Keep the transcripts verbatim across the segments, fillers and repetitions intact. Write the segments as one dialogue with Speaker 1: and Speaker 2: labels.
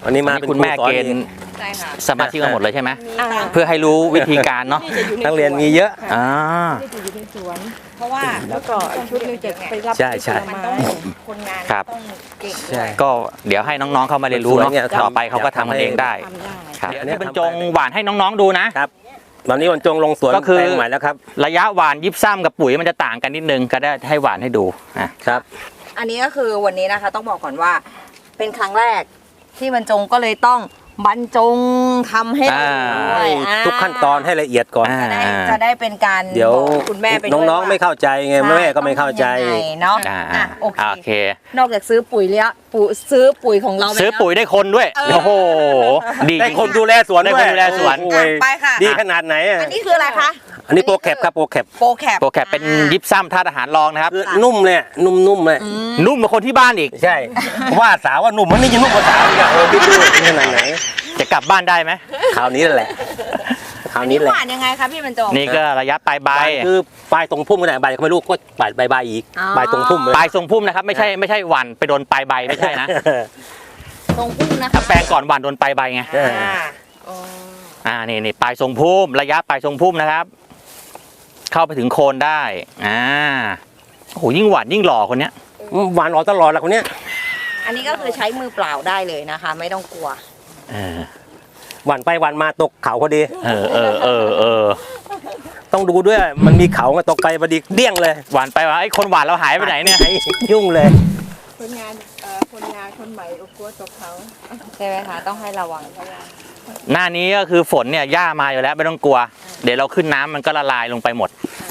Speaker 1: อันนี้มาเป็น
Speaker 2: คุณแม่เกณฑ์สมาชิกกันหมดเลยใช่ไหมเพื่อให้รู้วิธีการเนาะ
Speaker 1: นักเรียนมีเยอะ
Speaker 2: อ่า
Speaker 3: จะอยู่ในสวนเพราะว่าแล้วก็ชุดนึงจะไปรับ
Speaker 1: ใช่ใช่
Speaker 3: คนงาน
Speaker 2: ครับ
Speaker 3: ต้องเก่ง
Speaker 1: ใช่
Speaker 2: ก็เดี๋ยวให้น้องๆเข้ามาเรียนรู้เนาะต่อไปเขาก็ทำมันเองได้ครับ
Speaker 1: เดี๋ยว
Speaker 2: นี่บรรจงหวานให้น้องๆดูนะครับ
Speaker 1: ตอนนี้บรรจงลงสวน
Speaker 2: ก็คือ
Speaker 1: แปลงใหม่แล้วครับ
Speaker 2: ระยะหวานยิบซ้ำกับปุ๋ยมันจะต่างกันนิดนึงก็ได้ให้หวานให้ดูอ่ะ
Speaker 1: ครับ
Speaker 3: อันนี้ก็คือวันนี้นะคะต้องบอกก่อนว่า เป็นครั้งแรกที่บรรจงก็เลยต้องบรรจงทำให้ดูด้วยอ่า
Speaker 1: ทุกขั้นตอนให้ละเอียดก่อน
Speaker 2: อ่า
Speaker 3: จะได้จะได้เป็นการ
Speaker 1: เดี๋ยว
Speaker 3: บอกคุณแม่ไปด้วย
Speaker 1: น้องๆไม่เข้าใจไงแม่ก็ไม่เข้าใจ
Speaker 3: ต้องทำยังไงเนาะ
Speaker 2: อ่า
Speaker 3: อ่ะโอ
Speaker 2: โอ
Speaker 3: เค
Speaker 2: เค
Speaker 3: นอกจากซื้อปุ๋ยแล้วปุ๋ยซื้อปุ๋ยของเราไป
Speaker 2: ซื้อ
Speaker 3: แล้ว
Speaker 2: ปุ๋ยได้คนด้วย
Speaker 3: เออ
Speaker 2: โอ้โหดี
Speaker 1: ได้
Speaker 2: จริง
Speaker 1: คนดูแลสวน
Speaker 2: ได้
Speaker 1: ด้
Speaker 2: ค
Speaker 1: วย
Speaker 2: นดูแลสวน
Speaker 1: โอ้ย
Speaker 3: อ่ะไปค่ะ
Speaker 1: ดีขนาดไหนอ่ะ
Speaker 3: อันนี้คืออะไรคะ
Speaker 1: อันนี้โปรแคปครับโปรแคป
Speaker 3: โปรแคป
Speaker 2: โปรแคปเป็นยิบซ้ำธาตุอาหารรองนะครับ
Speaker 1: คือนุ่มเลยอะนุ่มๆเลย
Speaker 2: นุ่มกว่าคนที่บ้านอีก
Speaker 1: ใช่ว่าสาวว่านุ่มมันนี่ยังนุ่มกว่าสาวอีกอะโอ้พี่ดูขนาดไหน
Speaker 2: จะกลับบ้านได้ไหม
Speaker 1: คราวนี้แหละคราวนี้แห
Speaker 3: ห
Speaker 1: ละ
Speaker 3: วานยังไงคะพี่บรรจง
Speaker 2: นี่ก็ระยะปลายใบ
Speaker 1: คือปลายตรงพุ่มก็ได้ใบก็ไม่รู้ก็ปลายใบใบอีก
Speaker 3: อ๋อ
Speaker 1: ปลายตรงพุ่มเลย
Speaker 2: ปลายทรงพุ่มนะครับไม่ใช่ไม่ใช่หวันไปโดนปลายใบไม่ใช่นะ
Speaker 3: ตรงพุ่งนะคะ
Speaker 2: ถ้าแปลงก่อนหวันโดนปลายใบไง
Speaker 3: อ่าอ๋อ
Speaker 2: อ่านี่นี่ปลายทรงพุ่มระยะปลายทรงพุ่มนะครับ เข้าไปถึงโคนได้อ่าโอ้โหยิ่งหวานยิ่งหล่อคนเนี้ย
Speaker 1: หวานออกตลอดแหละคนเนี้ย
Speaker 3: อันนี้ก็คือใช้มือเปล่าได้เลยนะคะ ไม่ต้องกลัว
Speaker 2: เออ
Speaker 1: หวานไปหวานมาตกเขาพอดี
Speaker 2: เออเออเออเออ
Speaker 1: ต้องดูด้วยมันมีเขาก็ตกไปพอดีเดี้ยงเลย
Speaker 2: หวานไปว่าไอ้คนหวานเราหายไปไหนเนี่ย
Speaker 1: ยุ่งเลย
Speaker 4: คนงานเอ่อคนงานคนใหม่โอ้กลัวตกเขา
Speaker 3: ใช่ไหมคะ ต้องให้ระวัง
Speaker 2: หน้านี้ก็คือฝนเนี่ยหญ้ามาอยู่แล้วไม่ต้องกลัว เดี๋ยวเราขึ้นน้ำมันก็ละลายลงไปหมด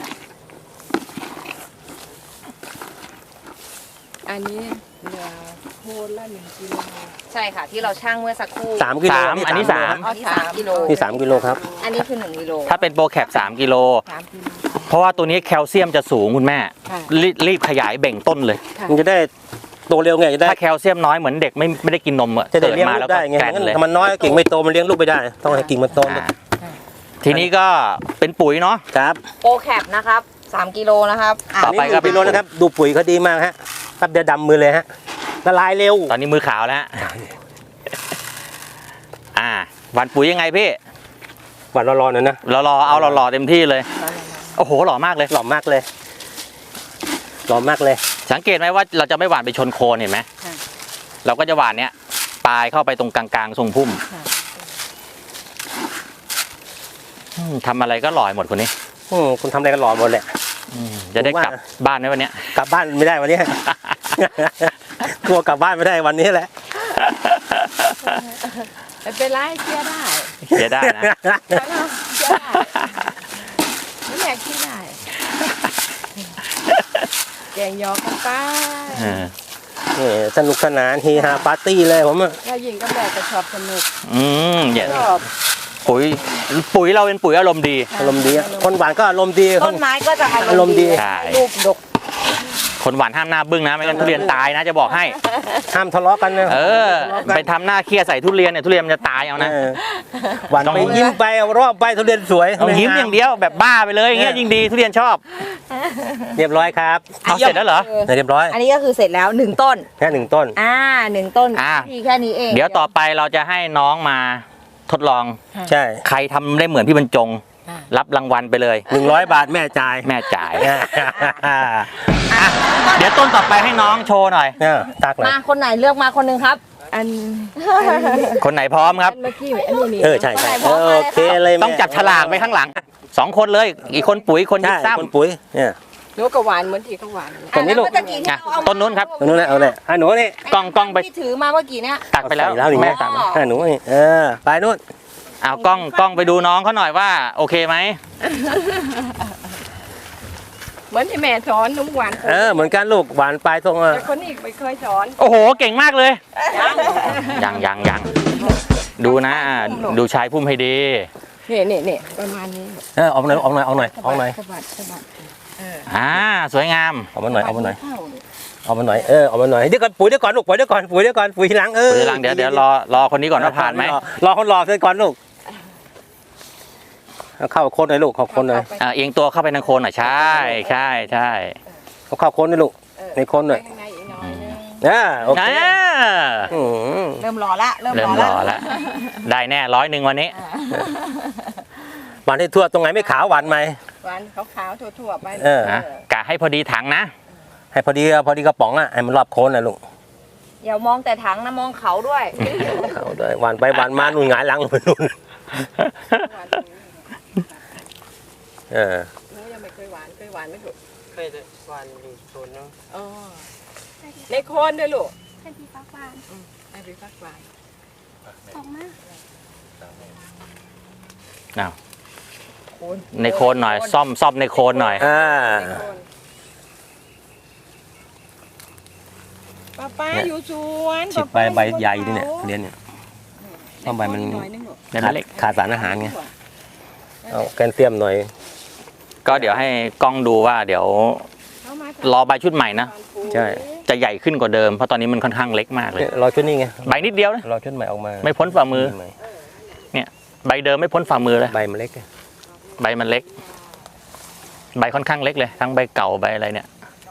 Speaker 4: อันนี้เหลือโคนละหนึ่งกิโล
Speaker 3: ใช่ค่ะ ที่เราช่างเมื่อสักครู่
Speaker 1: สามกิโล
Speaker 2: สามอันนี้สาม
Speaker 3: อันนี้สามกิโล
Speaker 1: นี่สามกิโลครับ
Speaker 3: อันนี้คือหนึ่งกิโล
Speaker 2: ถ้าเป็นโปรแคปสามกิโล
Speaker 4: สามกิโล
Speaker 2: เพราะว่าตัวนี้แคลเซียมจะสูงคุณแม่
Speaker 4: ค่ะ
Speaker 2: รีบรีบขยายเบ่งต้นเลย
Speaker 4: ค่ะ
Speaker 1: มันจะได้โตเร็วไงจะได้
Speaker 2: ถ้าแคลเซียมน้อยเหมือนเด็กไม่ไม่ได้กินนมอะ
Speaker 1: จะได้
Speaker 2: เกิด
Speaker 1: เลี้ยง
Speaker 2: มา
Speaker 1: ลู
Speaker 2: แล้ว
Speaker 1: ก
Speaker 2: ก็
Speaker 1: ได้ไง
Speaker 2: แกรนเลย
Speaker 1: ถ้ามันน้อยกิ่งไม่โตมันเลี้ยงลูกไม่ได้ ต้องให้กิ่งมันโต
Speaker 2: อ่าทีนี้ก็เป็นปุ๋ยเนาะ
Speaker 1: ครับ
Speaker 3: โปรแคปนะครับสามกิโลนะครับอ่ะ
Speaker 2: ต่อไปก็
Speaker 1: นี่ดูโลนะครับ ดูปุ๋ยเขาดีมากฮะแป๊บเดียวดำมือเลยฮะละลายเร็ว
Speaker 2: ตอนนี้มือขาวแล้วฮะอ่าหวานปุ๋ยยังไงพี่
Speaker 1: หวานร้อนๆหน่อยนะ
Speaker 2: เรารอเอาเรารอเต็มที่เลย โอ้โหหล่อมากเลย
Speaker 1: หล่อมากเลยหล่อมากเลย
Speaker 2: สังเกตไหมว่าเราจะไม่หวานไปชนโคนเห็นไหมเราก็จะหวานเนี้ยปลายเข้าไปตรงกลางๆทรงพุ่มอืมทำอะไรก็หล่อยหมดคนนี้
Speaker 1: อืมคุณทำอะไรกันหล่อหมดแหละ
Speaker 2: อืมจะได้
Speaker 1: ผมว่า
Speaker 2: กลับบ้านไหมวันเนี้ย
Speaker 1: กลับบ้านไม่ได้วันนี้ กลัวกลับบ้านไม่ได้วันนี้แหละ
Speaker 4: ไม่เป็นไรเชื่อได้
Speaker 2: เสียได้นะ
Speaker 4: เชื่อได้ไม่อยากคิดได้แกงยอกันไป
Speaker 2: เออ
Speaker 1: นี่สนุกสนานเฮฮาปาร์ตี้เลยผมอะ
Speaker 4: เรายิงกับแม่ก็ชอบสนุก
Speaker 2: อืมอย่า
Speaker 4: ชอบ
Speaker 2: ปุ๋ยปุ๋ยเราเป็นปุ๋ยอารมณ์ดี
Speaker 1: อารมณ์ดีอะคนหวานก็อารมณ์ดีค
Speaker 3: ต้
Speaker 1: น
Speaker 3: นไม้ก็จะ
Speaker 1: อารมณ์ดี
Speaker 2: ใช่
Speaker 3: รูปดก
Speaker 2: คนหวานห้ามหน้าบึ้งนะไม่งั้นทุเรียนตายนะจะบอกให้
Speaker 1: ห้ามทะเลาะกันนะ
Speaker 2: เออ ไปทำหน้าเครียดใส่ทุเรียนเนี่ยทุเรียนมันจะตายเอานะ
Speaker 1: เออหวาน
Speaker 2: ต้อง
Speaker 1: ไปยิ้มไปเอารอบไปทุเรียนสวย
Speaker 2: ต้องยิ้มอย่างเดียวแบบบ้าไปเลยอย่างเงี้ยยิ่งดีทุเรียนชอบ
Speaker 1: เรียบร้อยครับ
Speaker 2: เอาเสร็จแล้วเหรอ
Speaker 1: เรียบร้อย
Speaker 3: อันนี้ก็คือเสร็จแล้วหนึ่งต้น
Speaker 1: แค่หนึ่งต้น
Speaker 3: อ่าหนึ่งต้น
Speaker 2: อ่า
Speaker 3: ทีแค่นี้เอง
Speaker 2: เดี๋ยวต่อไปเราจะให้น้องมาทดลอง
Speaker 1: ใช่
Speaker 2: ใครทำได้เหมือนพี่บรรจง รับรางวัลไปเลย
Speaker 1: หนึ่งร้อยบาทแม่จ่าย
Speaker 2: แม่จ่ายอ่ะเดี๋ยวต้นต่อไปให้น้องโชว์หน่อย
Speaker 1: เนี่ยตักเลย
Speaker 3: มาคนไหนเลือกมาคนหนึ่งครับ
Speaker 4: อัน
Speaker 2: คนไหนพร้อมครับ
Speaker 4: อันเมื่อกี้อันนี้นี่
Speaker 1: เออใช่ใช่เออโอเคเลยแม่
Speaker 2: ต้องจับฉลากไปข้างหลังสองคนเลย อีกคนปุ๋ยคนยิ
Speaker 1: ใช่
Speaker 2: บซ้
Speaker 1: คนปุ๋ยเนี่ย
Speaker 4: หนูก็หวานเหมือนที่เขาหวานนั่นแหละ
Speaker 1: ตรงนี้ลูก
Speaker 3: อ่ะแล้วเมื่อกี้ที่
Speaker 2: อ่ะ
Speaker 3: เราเอา
Speaker 2: ต้นนู้นครับ
Speaker 1: ตรงนู้นนะเอาเลยอ่ะหนูนี่
Speaker 2: ำกล้องกล้องไป
Speaker 3: ที่ถือมาเมื่อกี้เนี่ย
Speaker 2: ตักไปแล้ว
Speaker 1: ใส่แล้วนี่
Speaker 2: แม่
Speaker 1: แม่ตักอ่ะหนูนี่เออไปนู่น
Speaker 2: เอากล้องกล้องไปดูน้องเขาหน่อยว่า โอเคไหม
Speaker 4: เหมือนที่แม่สอนหนุ่มหวาน
Speaker 1: เออเหมือนกันลูกหวานปลายตรงอ่ะ
Speaker 4: แต่คนนี้ไม่เคยสอน
Speaker 2: โอ้โหเก่งมากเลยยังยังยังดูนะอ่ะดูชายพุ่มให้ดี
Speaker 4: นี่นี่นี่ประมาณนี้
Speaker 1: เออออกหน่อยออกหน่อยออกหน่อยออกหน่อย
Speaker 4: สะบัดสะบัด
Speaker 2: อ่าสวยงาม
Speaker 1: ออกมาหน่อยออกมาหน่อย
Speaker 4: เข้าเลย
Speaker 1: ออกมาหน่อยเออออกมาหน่อยเดี๋ยวก่อนปุ๋ยเดี๋ยวก่อนลูกปุ๋ยเดี๋ยวก่อนปุ๋ยเดี๋ยวก่อนปุ๋ยทีหลังเออ
Speaker 2: เดี๋ยวหลังเดี๋ยวเดี๋ยวรอรอคนนี้ก่อนว่าผ่านไหม
Speaker 1: รอรอคนรอเสร็จก่อนลูกเอาเข้าโคนหน่อยลูกเข้าโคนหน่อย
Speaker 2: อ่าเอียงตัวเข้าไปทางโคนหน่อยใช่ใช่ใช่
Speaker 1: เอาเข้าโคนหน่อยลูกในโคนหน่อย
Speaker 4: ข้างในอีกหน่อยนึง
Speaker 1: อ่าโอเค
Speaker 2: อ่า
Speaker 1: อืม
Speaker 3: เริ่มรอละเริ่ม
Speaker 2: เริ่
Speaker 3: ร
Speaker 2: ม
Speaker 3: อ
Speaker 2: ร
Speaker 3: ละ
Speaker 2: อแล้วได้แน่ร้อยหนึ่งวันนี้
Speaker 1: หวานให้ทั่วตรงไหนไม่ขาวหวานไหม
Speaker 4: หวานขาวๆทั่วๆไป
Speaker 1: เออ
Speaker 2: นะกะให้พอดีถังนะ
Speaker 1: ให้พอดีพอดีกระป๋องอ่ะให้มันรอบโคนนะลูก
Speaker 3: อย่ามองแต่ถังนะมองเขาด้วย
Speaker 1: เอาด้วยหวานไปหวานมานู่นหงายหลังลงไปนู่น
Speaker 4: หวาน
Speaker 1: เออ
Speaker 4: หนูยังไม่เคยหวานเคยหวานไหมลูก
Speaker 5: เคยแต่วันอยู่โซนนึง
Speaker 4: อ๋อในโคนด้วยลูก
Speaker 6: ให้พี่ฟักบาน
Speaker 4: ไอ้พี่ฟักหวาน
Speaker 6: ออกมา
Speaker 2: อ้าวในโคนหน่อย ซ่อมซ่อมในโคนหน่อย
Speaker 1: อ่า
Speaker 4: ในโคนป้าป้าอยู่สวน
Speaker 1: ฉีดไปใบใหญ่ดิเนี่ยเรียนเนี่ย เพราะใบมัน
Speaker 4: หน่อยนึงลูก
Speaker 2: ได้ไหม
Speaker 1: ขาด
Speaker 2: เล็ก
Speaker 1: ขาดสารอาหารไงเอาแคลเซียมหน่อย
Speaker 2: ก็เดี๋ยวให้กล้องดูว่าเดี๋ยว
Speaker 4: เอามาร
Speaker 2: อใบชุดใหม่นะ
Speaker 1: ใช่
Speaker 2: จะใหญ่ขึ้นกว่าเดิม เพราะตอนนี้มันค่อนข้างเล็กมากเลย
Speaker 1: เนี่ยรอชุดนี้ไง
Speaker 2: ใบนิดเดียวนะ
Speaker 1: รอชุดใหม่ออกมา
Speaker 2: ไม่พ้นฝ่ามือ
Speaker 1: ให
Speaker 2: ใบเดิมไม่พ้นฝ่ามือเลย
Speaker 1: ใบมันเล็กไง
Speaker 2: ใบมันเล็ก ใบค่อนข้างเล็กเลย ทั้งใบเก่าใบอะไรเนี่ย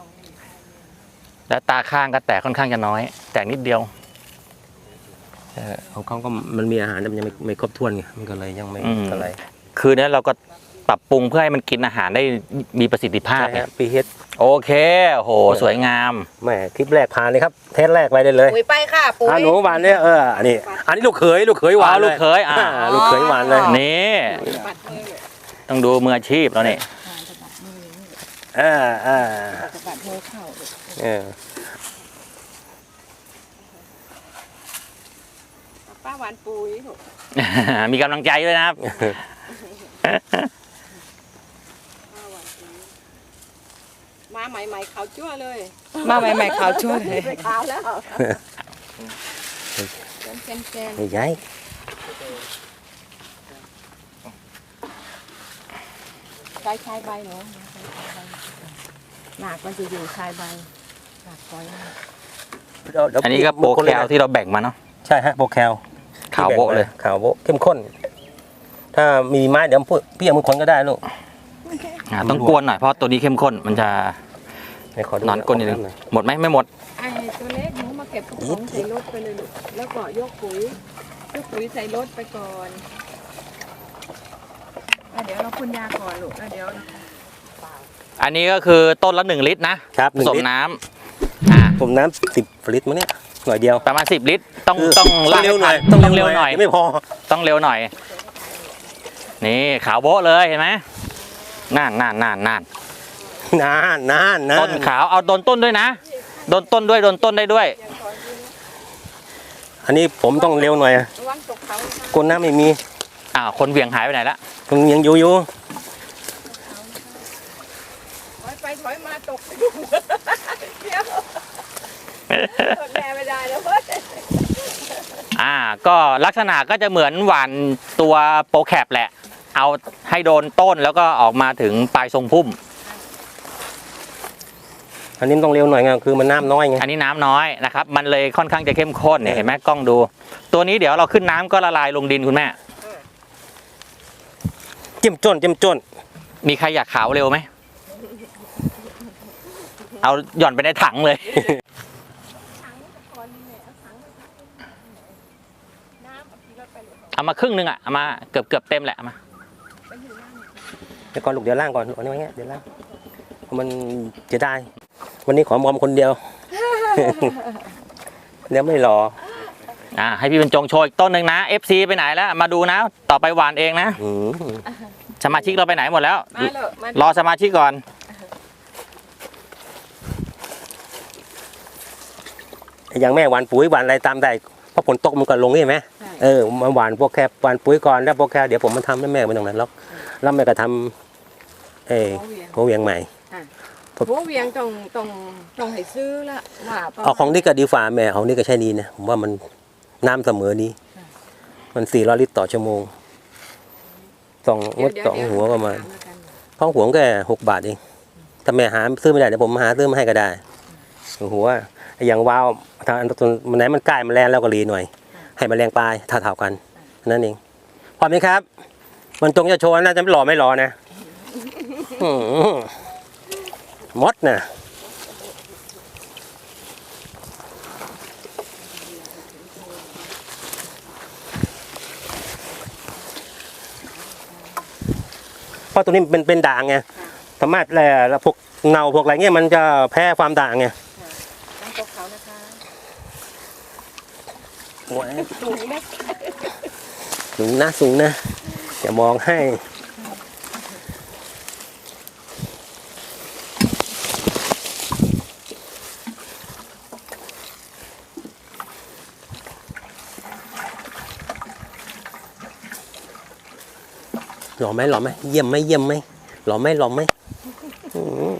Speaker 2: แล้วตาข้างก็แตกค่อนข้างจะน้อย แตกนิดเดียว
Speaker 1: เออของเขาก็มันมีอาหารแต่มันยังไม่ไม่ครบถ้วนไงมันก็เลยยังไม่
Speaker 2: อืม
Speaker 1: อะไร
Speaker 2: คือเนี่ยเราก็ปรับปรุงเพื่อให้มันกินอาหารได้มีประสิทธิภาพ
Speaker 1: ใช่
Speaker 2: ไง
Speaker 1: ฮะปีเฮด
Speaker 2: โอเคโอ้โห สวยงาม
Speaker 1: แหม่คลิปแรกผ่านเลยครับเทสแรกไปได้เลย
Speaker 3: ปุ๋ยไปค่ะปุ๋ย
Speaker 1: อ่าหนูหวานเนี่ยเอออันนี้อันนี้ลูกเขยลูกเขยหวาน
Speaker 2: อ๋อ
Speaker 1: เลย
Speaker 2: ลูกเขยอ่า
Speaker 1: ลูกเขยหวานเลย
Speaker 2: นี่
Speaker 4: ปัดมือลูก
Speaker 2: ต้องดูมืออาชีพแล้วนี่
Speaker 1: อ่าอ่า
Speaker 4: จะปัดมือเข้าลูก
Speaker 1: เออ
Speaker 4: ป้าหวานปุ๋ยลูก
Speaker 2: มีกำลังใจด้วยนะครับ
Speaker 4: ป้าหวานปุ๋ยมาใหม่ๆขาวจั่วเลย
Speaker 3: มาใหม่ๆเขาช่วยเลย
Speaker 4: ไม่ขาวแล้วเป็นเซนเซน
Speaker 1: ไม่ใช่
Speaker 4: ชายชายใบหนูหนักมันจะอยู่ชายใบหนักคอยมาก
Speaker 1: เดี๋ยวเดี๋ยว
Speaker 2: อันนี้ก็โปรแคลที่เราแบ่งมาเนาะ
Speaker 1: ใช่ฮะโปรแคล
Speaker 2: ขาวโบ๊ะเลย
Speaker 1: ขาวโบ๊ะเข้มข้น ถ้ามีไม้เดี๋ยวพูดพี่เอามือคนก็ได้ลูก
Speaker 2: อ่าต้องกวนหน่อยเพราะตัวนี้เข้มข้นมันจะ
Speaker 1: ให้ขอดู
Speaker 2: นอนก้นนิดนึง
Speaker 1: หอย
Speaker 2: หมดไหมไม่หมด
Speaker 4: ไอ้ตัวเล็กหนูมาเก็บกระป๋องใส่รถไปเลยลูกแล้วก็ยกปุ๋ยยกปุ๋ยใส่รถไปก่อนแล้วเดี๋ยวเราพ่นยาก่อนลูกแล้วเดี๋ยว
Speaker 2: อันนี้ก็คือต้นละหนึ่งลิตรนะครับ
Speaker 1: ห
Speaker 2: ผ
Speaker 1: นึ่ง
Speaker 2: สม
Speaker 1: ลิตร
Speaker 2: น้ำอ่า
Speaker 1: ผมน้ำสิบลิตรมั้งเนี่ยหน่อยเดียว
Speaker 2: ประมาณสิบลิตร ต้อง
Speaker 1: คือ
Speaker 2: ต้องลาก
Speaker 1: เร็วหน่อย
Speaker 2: ให้ทัต้องเร็วหน่อย
Speaker 1: ไม่พอ
Speaker 2: ต้องเร็วหน่อย นี่ขาวโบ๊ะเลยเห็นไหมน่านน่านน่านน่าน
Speaker 1: นานนานนาน
Speaker 2: ต้นขาวเอาโดนต้นด้วยนะโดนต้นด้วยโดนต้นได้ด้วย
Speaker 1: อันนี้ผมต้องเร็วหน่อย
Speaker 4: ระวังตกเขานะคะ
Speaker 1: ก้นน้ำไม่มี
Speaker 2: อ้าวคนเหวี่ยงหายไปไหนละ
Speaker 1: มันยังอยู่อยู่
Speaker 4: ถอยไปถอยมาตกไปดูเดี๋ยวทนแม่ไม่ได้แล้วเว้ย
Speaker 2: อ่าก็ลักษณะก็จะเหมือนหวานตัวโปรแคปแหละ เอาให้โดนต้นแล้วก็ออกมาถึงปลายทรงพุ่ม
Speaker 1: อันนี้ต้องเร็วหน่อยไงคือมันน้ำน้อยไง
Speaker 2: อันนี้น้ำน้อยนะครับ มันเลยค่อนข้างจะเข้มข้นเนี่ยเห็นไหมกล้องดู ตัวนี้เดี๋ยวเราขึ้นน้ำก็ละลายลงดินคุณแม่
Speaker 1: เจิ้มจ้นเจิ้มจ้น
Speaker 2: มีใครอยากขาวเร็วไหม เอาหย่อนไปในถังเลย เอามาครึ่งหนึงอ่ะ เอามาเกือบเกือบเต็มแหละเอามา
Speaker 1: เดี๋ยวก่อนลูกเดี๋ยวล่างก่อนเอาไว้เงี้ยเดี๋ยวล่างเพราะมันจะได้ วันนี้ขอมอมคนเดียว เดี๋ยวไม่รอ
Speaker 2: อ่าให้พี่บรรจงโชว์อีกต้นหนึ่งนะ เอฟ ซี ไปไหนแล้ว มาดูนะ ต่อไปหวานเองนะ
Speaker 1: อืม
Speaker 2: สมาชิกเราไปไหนหมดแล้ว
Speaker 4: มาเลยมาร
Speaker 2: อสมาชิกก่อน
Speaker 1: อย่างแม่หวานปุ๋ยหวานอะไรตามได้เพราะฝนตกมันก็ลงใช่ไหมเออมาหวานพวกแคบหวานปุ๋ยก่อนแล้วพวกแคบเดี๋ยวผมมาทำให้แม่ไม่ตรงนั้นหรอกแล้วแม่ก็ทำเออ
Speaker 4: หัวเวียง
Speaker 1: หัวเวียงใหม่
Speaker 4: หัวเวียงต้องต้องต้องให้ซื้อละว่าประมาณ
Speaker 1: เอาของนี่ก็ดีฝ่าแม่ของนี่ก็ใช่ดีนะผมว่ามันน้ำเสมอดีมันสี่ร้อยลิตรต่อชั่วโมงสองงดสองหัวประมาณข้าวหัวแค่หกบาทเองถ้าแม่หาซื้อไม่ได้เดี๋ยวผมหาซื้อมาให้ก็ได้หัวอย่างวาวทางมันไหนมันใกล้มันแรงแล้วก็รีหน่อย ให้มันแรงปลายเท่าๆกันนั่นเองพร้อมไหมครับ มันตรงจะโชว์น่าจะไม่หล่อไม่หล่อนะอืมมดนะเพราะตัวนี้มันเป็นเป็นด่างไงสามารถแหละแล้วพวกเงาพวกอะไรเงี้ยมันจะแพ้ความด่างไง
Speaker 4: ตั้งโต๊ะเขานะคะ
Speaker 1: โอ้ย
Speaker 4: ตรงนี้นะ
Speaker 1: สูงนะสูงนะอย่ามองให้หล่อไหมหล่อไหมเยี่ยมไหมเยี่ยมไหมหล่อไหมหล่อไหมอืม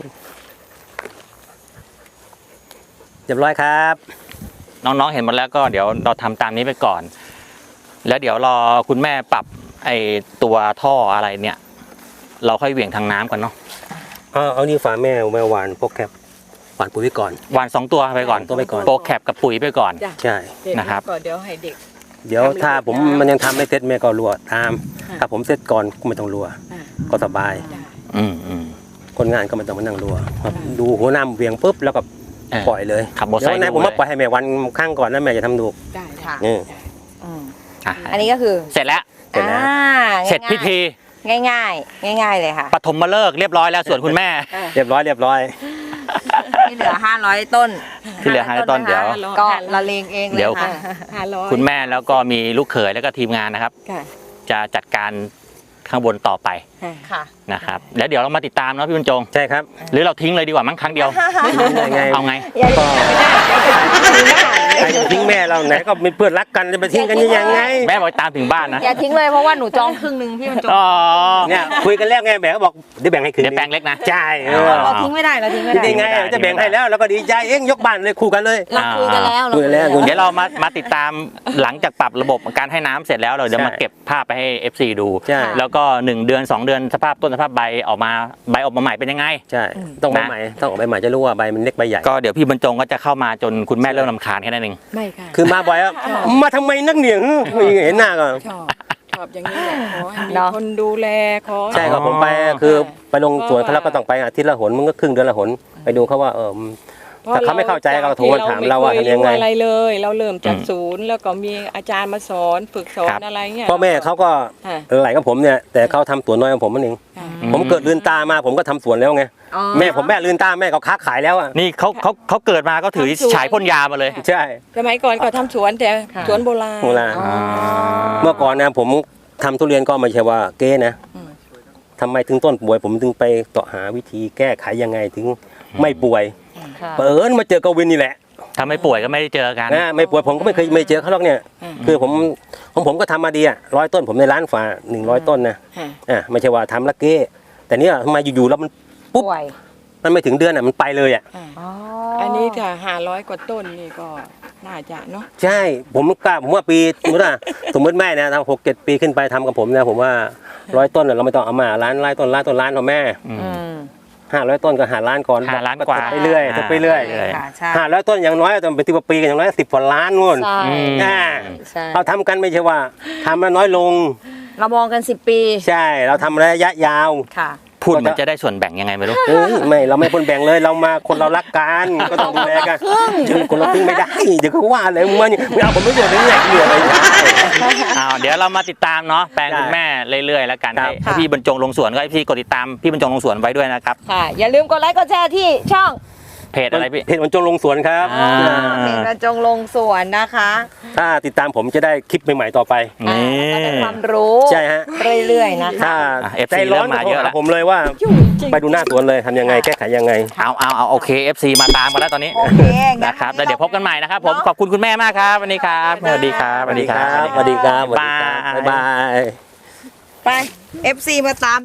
Speaker 1: เรียบร้อยครับ
Speaker 2: น้องๆเห็นหมดแล้วก็เดี๋ยวเราทำตามนี้ไปก่อน แล้วเดี๋ยวรอคุณแม่ปรับไอ้ตัวท่ออะไรเนี่ย เราค่อยเหวี่ยงทางน้ำกันเนาะ
Speaker 1: เอาเอานี่ฝาแม่แม่หวานพวกแคบหวานปุ๋ยไว้ก่อน
Speaker 2: วานสองตัวไปก่อน
Speaker 1: ตัวไปก่อน
Speaker 2: โปรแคปกับปุ๋ยไปก่อน
Speaker 4: จ้ะ
Speaker 1: ใช่
Speaker 4: เด็ก
Speaker 2: นะครับ
Speaker 4: ก่อนเดี๋ยวให้เด็ก
Speaker 1: เดี๋ยวถ้าผมมันยังทำไม่เสร็จแม่ก็รัวตาม
Speaker 4: ค่ะ
Speaker 1: ถ้าผมเสร็จก่อนก็ไม่ต้องรัว
Speaker 4: อ่า
Speaker 1: ก็สบาย
Speaker 4: ได้
Speaker 2: อืมอืม
Speaker 1: คนงานก็ไม่ต้องมานั่งรัวครับดูหัวน้ำเวียงปุ๊บแล้วก็
Speaker 2: เออ
Speaker 1: ปล่อยเลย
Speaker 2: ขับมอเตอร์ไซ
Speaker 1: เดี๋ยว
Speaker 2: ค์
Speaker 1: วันไหนผมมา
Speaker 2: ดูเลย
Speaker 1: ปล่อยให้แม่วันข้างก่อนแล้วแม่จะทำดู
Speaker 4: ได้
Speaker 3: ค่ะ
Speaker 1: นี่
Speaker 3: อืม
Speaker 2: อ่ะ
Speaker 3: อันนี้ก็คือ
Speaker 2: เสร็จแล้ว
Speaker 1: เสร็จแล้ว
Speaker 3: อ่า
Speaker 2: เสร็จพิธี
Speaker 3: ง่ายง่ายง่ายๆง่าย ๆ เลยค่ะ
Speaker 2: ปฐมฤกษ์เรียบร้อยแล้วส่วนคุณแม่
Speaker 1: เรียบร้อยเรียบร้อย
Speaker 3: ที่เหลือห้าร้อยต้น
Speaker 2: ที่เหลือห้าร้อยต้นเดี๋ยว
Speaker 3: ก็ละเลงเองเลย
Speaker 2: เดี๋ยว
Speaker 3: ค่ะ
Speaker 4: ห้าร้อย
Speaker 2: คุณแม่แล้วก็มีลูกเขยแล้วก็ทีมงานนะครับ
Speaker 4: ค่ะ
Speaker 2: จะจัดการข้างบนต่อไป
Speaker 4: ค่ะ
Speaker 3: ค่ะ
Speaker 2: นะครับ แล้วเดี๋ยวเรามาติดตามเนาะพี่บรรจง
Speaker 1: ใช่ครับ
Speaker 2: หรือเราทิ้งเลยดีกว่ามั้งครั้งเดียว
Speaker 1: ยังไง
Speaker 2: เอาไง
Speaker 3: อย่า
Speaker 1: ก็ใครจะทิ้งแม่เราไหนก็เป็นเพื่อนรักกันจะไปทิ้งกันยังไง
Speaker 2: แม่บอกตามถึงบ้านนะ
Speaker 3: อย่าทิ้งเลยเพราะว่าหนูจองครึ่งหนึ่งพี่บรรจง
Speaker 2: อ๋อ
Speaker 1: เนี่ยคุยกันแล้วไงแม่ก็บอกเดี๋ยวแบ่งให้คืน
Speaker 2: เดี๋ยวแปลงเล็กนะ
Speaker 1: ใช่เอ
Speaker 2: อ๋
Speaker 1: อ
Speaker 2: อ
Speaker 3: เราทิ้งไม่ได้เราทิ้งไม่
Speaker 1: คิด
Speaker 3: ได้
Speaker 1: ได้ไงจะแบ่งให้แล้วแล้วก็ดีใจเองยกบ้านเลยคู่กันเลย
Speaker 3: เราคุยกันแล้วเรา
Speaker 1: คุยกันแล้ว
Speaker 3: คุย
Speaker 2: เดี๋ยวเรามามาติดตามหลังจากปรับระบบการให้น้ำเสร็จแล้วเราจะ
Speaker 1: ใช่
Speaker 2: มาเก็บภาพไปให้ เอฟ ซี ดู
Speaker 1: ใช่
Speaker 2: แล้วก็หนึ่งเดือนสองเดือนสภาพต้นสภาพใบออกมาใบออกมาใหม่เป็นยังไง
Speaker 1: ใช่ต้องใบใหม่ต้องออกใบใหม่จะรู้ว่าใบมันเล็กใบใหญ่
Speaker 2: ก็เดี๋ยวพี่บรรจงก็จะเข้ามาจนคุณแม่เริ่มรำคาญแค่นั้นเอง
Speaker 4: ไม่ค่ะ
Speaker 1: คือมาบ่อยอะมาทำไมนักเหนียงเห็นหน้าก็
Speaker 4: ชอบชอบอย่างนี้แหละขอให้มี
Speaker 3: เนาะ
Speaker 4: คนดูแลขอ
Speaker 1: ใช่ครับผมไปคือไปลงสวนเขาแล้วก็ต้องไปอาทิตย์ละหนมึงก็ครึ่งเดือนละหนไปดูเขาว่าเออ ถ้าเขาไม่เข้าใจก็โทรมาถามเราว่าทำยังไง
Speaker 4: เรม่เครู้อะไรเลย เราเริ่มจากศูนย์แล้วก็มีอาจารย์มาสอนฝึกสอ
Speaker 2: ครั
Speaker 4: น
Speaker 2: บ
Speaker 4: อะไรเงี้ย
Speaker 1: พ่อแม่เขาก็
Speaker 4: ค่ะ
Speaker 1: ไหลกับผมเนี่ยแต่เขาทำสวนน้อยกว่าผมนั่นเอง
Speaker 4: ค่ะ
Speaker 1: ผมเกิดลืนตามาผมก็ทำสวนแล้วไง
Speaker 3: อ๋อ
Speaker 1: แม่ผมแม่ลืนตาแม่ก็ค้าขายแล้วอ่ะ
Speaker 2: นี่เขาเขาเขาเกิดมาก็ถือ
Speaker 4: ทำสวน
Speaker 2: ฉายพ่นยามาเลย
Speaker 1: ใช่
Speaker 4: สมัยก่อนก็ทำสวนแต่สวนโบราณ
Speaker 1: โบราณ
Speaker 3: อ๋อ
Speaker 1: เมื่อก่อนนะผมทำทุเรียนก็ไม่ใช่ว่าเก้นะ
Speaker 4: อืม
Speaker 1: ทำไมถึงต้นป่วย ผมถึงไปเสาะหาวิธีแก้ไขยังไงถึงไม่ป่วย
Speaker 3: ค่ะ
Speaker 1: เปิดมาเจอกวินนี่แหละ
Speaker 2: ถ้าไม่ป่วยก็ไม่ได้เจอกัน
Speaker 1: นะไม่ป่วยผมก็ไม่เคยไม่เจอเขาหรอกเนี่ย
Speaker 4: อืม
Speaker 1: คือผมของผมก็ทำมาดีอ่ะร้อยต้นผมในร้านฝาหนึ่งร้อยต้นนะ
Speaker 4: ค่ะ
Speaker 1: อ่ะไม่ใช่ว่าทำละเก้แต่เนี่ยทำไมอยู่ๆแล้วมันปุ๊บ
Speaker 3: ป่วย
Speaker 1: มันไม่ถึงเดือนอ่ะมันไปเลยอ่ะ
Speaker 4: อ่า
Speaker 3: อ๋อ
Speaker 4: อันนี้ถ้าห้าร้อยกว่าต้นนี่ก็น่าจะเนาะ
Speaker 1: ใช่ผมกล้าผมว่าปีสมมติว่าสมมติแม่นะทำหกเจ็ดปีขึ้นไปทำกับผมนะผมว่าร้อยต้นน่ะเราไม่ต้องเอามาล้านล้านต้นล้านต้นล้านของแม่
Speaker 2: อืม
Speaker 3: อืม
Speaker 1: ห้าร้อยต้นก็หาล้านก่อน
Speaker 2: ห้าล้านกว่า
Speaker 1: ไปเรื่อยไปเรื่อย
Speaker 2: ใช่
Speaker 3: ค่ะใช่
Speaker 1: ห้าร้อยต้นอย่างน้อยต้องเป็นสิบปีกันอย่างน้อยสิบกว่าล้านนู่น
Speaker 3: ใช่
Speaker 2: อืม
Speaker 1: อ่า
Speaker 3: ใช่
Speaker 1: เราทำกันไม่ใช่ว่าทำแล้วน้อยลง
Speaker 3: เรามองกันสิบปี
Speaker 1: ใช่เราทำระยะยาว
Speaker 3: ค่ะ
Speaker 2: พูดเหมันจะได้ส่วนแบ่งยังไงไม่รู้
Speaker 1: เอ้ยไม่เราไม่คนแบ่งเลยเรามาคนเรารักกันก็ต้องดูแลกันเจอคนเราครึ่งไม่ได้เดี๋ยวเขาว่าเลยมึงไม่เอาผมไม่โดนเลยเนี่ยเหนื่อยเลย
Speaker 2: อ้าวเดี๋ยวเรามาติดตามเนาะแปลงคุณแม่เรื่อยๆแล้วกัน
Speaker 1: ครั
Speaker 2: ให้
Speaker 1: บ
Speaker 2: ให้พี่บรรจงลงสวนก็ให้พี่กดติดตามพี่บรรจงลงสวนไว้ด้วยนะครับ
Speaker 3: ค่ะ อย่าลืมกดไลค์กดแชร์ที่ช่อง
Speaker 2: เพจอะไรพี่
Speaker 1: เพจวันจงลงสวนครับ
Speaker 2: อ่า
Speaker 3: เพจบรรจงลงสวนนะคะ
Speaker 1: ถ้าติดตามผมจะได้คลิปใหม่ๆต่อไป
Speaker 3: อ่า
Speaker 2: นี่
Speaker 3: ก็ได้ความรู้
Speaker 1: ใช่ฮะ
Speaker 3: เรื่อยๆนะคะ
Speaker 1: ถ้า
Speaker 2: อ่ะ เอฟ
Speaker 1: ใจ
Speaker 2: ซี
Speaker 1: ร้อน
Speaker 2: เริ่มมาเยอะแล้ว
Speaker 1: ผมเลยว่าไปดูหน้าสวนเลยทำยังไงแก้ไขยังไง
Speaker 2: เอาเอาเอาโอเค เอฟ ซี มาตามกันแล้วตอนนี้
Speaker 3: โอเคงั้
Speaker 2: นะครับแล้วเดี๋ยวพบกันใหม่นะครับผมขอบคุณคุณแม่มากครับวันนี้ครับสวัสดีครับสวัสดีครับ
Speaker 1: สวัสดีครับ
Speaker 2: บ๊ายบาย
Speaker 1: บ๊ายบาย
Speaker 3: ไป เอฟ ซี มาตาม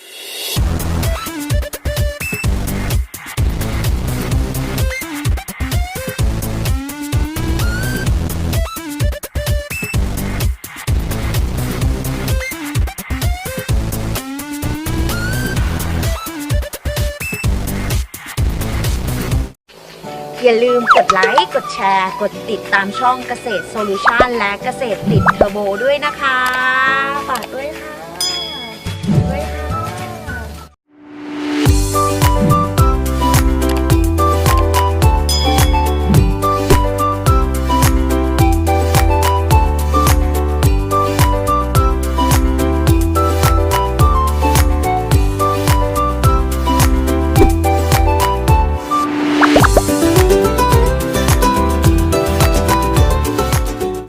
Speaker 3: อย่าลืมกดไลค์ กดแชร์ กดติดตามช่องเกษตรโซลูชันและเกษตรติดเทอร์โบด้วยนะคะ ฝากด้วยค่ะ